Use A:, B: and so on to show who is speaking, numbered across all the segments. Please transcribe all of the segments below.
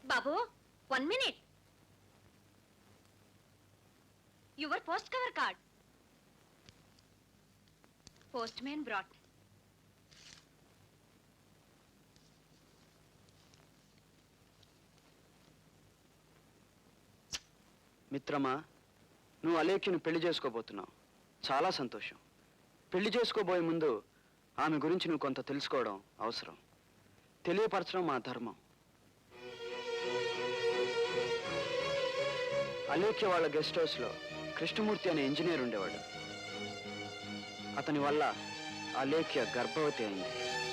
A: Babu 1 minute. Your post cover card. Postman brought.
B: మిత్రమా, నువ్వు అలేఖ్యను పెళ్లి చేసుకోబోతున్నావు. చాలా సంతోషం. పెళ్లి చేసుకోబోయే ముందు ఆమె గురించి నువ్వు కొంత తెలుసుకోవడం అవసరం. తెలియపరచడం మా ధర్మం. అలేఖ్య వాళ్ళ గెస్ట్ హౌస్లో కృష్ణమూర్తి అనే ఇంజనీర్ ఉండేవాడు. అతని వల్ల అలేఖ్య గర్భవతి అయింది.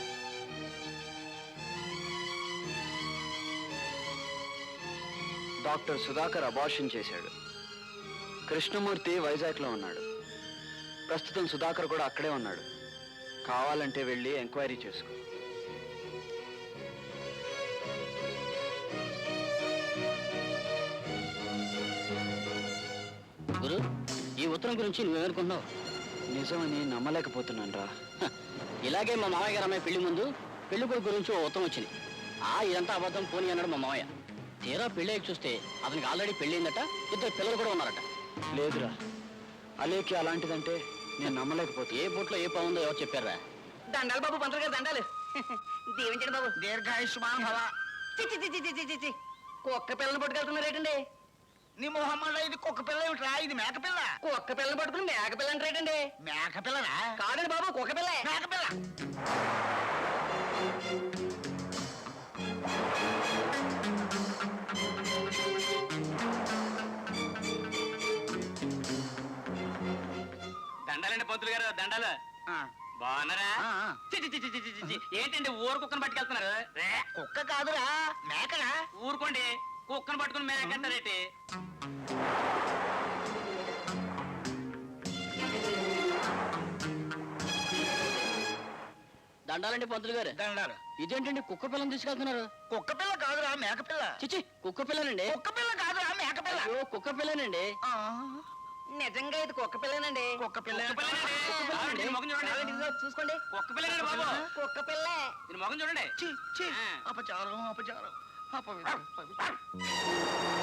B: డాక్టర్ సుధాకర్ అబార్షన్ చేశాడు. కృష్ణమూర్తి వైజాగ్లో ఉన్నాడు. ప్రస్తుతం సుధాకర్ కూడా అక్కడే ఉన్నాడు. కావాలంటే వెళ్ళి ఎంక్వైరీ చేసుకో.
C: గురు, ఈ ఉత్తరం గురించి నువ్వేమనుకుంటున్నావు?
B: నిజమని నమ్మలేకపోతున్నాను రా.
C: ఇలాగే మా మామయ్య గారు అమ్మాయి పెళ్లి ముందు పెళ్లి కొడుకు గురించి ఓ ఉత్తరం వచ్చింది. ఇదంతా అబద్ధం పోనీ అన్నాడు మా మామయ్య. తీరా పెళ్ళి చూస్తే అతనికి ఆల్రెడీ పెళ్ళయిందట, 2 పిల్లలు కూడా ఉన్నారట.
B: లేదురా, అలేఖ్య అలాంటిదంటే నేను నమ్మలేకపోతే.
C: ఏ బొట్లో ఏ పావుందో ఎవరు చెప్పారా?
D: దండాలు బాబు, పంతులు గారు దండాలు. దీవించండి బాబు.
E: దీర్ఘాయుష్మాన్ భవ.
D: చి కుక్క పిల్లని పట్టుకెళ్తున్నారేటండి?
E: నీ మొహమ్మడ, ఇది కుక్క పిల్ల ఏమిట్రా? ఇది మేక పిల్ల.
D: కుక్క పిల్లని పట్టుకుని మేక పిల్ల అంటారేటండి?
E: మేక పిల్లరా?
D: కాదండి బాబు, కుక్క పిల్ల.
E: మేక పిల్ల.
D: దండాలండి పంతులు గారు, దండాలు. బాగున్నారా? ఏంటండి ఊరు కుక్కను పట్టుకెళ్తున్నారు?
E: కుక్క కాదురా, మేకరా.
D: ఊరుకోండి, కుక్కను పట్టుకుని మేకెళ్తారేటి?
C: దండాలండి పంతులు గారు.
E: దండాలు.
C: ఇదేంటండి కుక్క పిల్లని తీసుకెళ్తున్నారు?
E: కుక్క పిల్ల కాదురా, మేక పిల్ల.
C: చిచి, కుక్క పిల్లనండి.
E: కుక్క పిల్ల కాదురా, మేక పిల్ల.
C: అయ్యో, కుక్క పిల్లనండి.
D: నిజంగా ఇది కుక్క పిల్లనండి.
E: కుక్క పిల్ల.
D: చూసుకోండి,
E: కుక్క పిల్లనండి బాబు.
D: కుక్క పిల్ల.
E: దీని మొగం చూడండి. అపచారం, అపచారం, అపవిత్రం.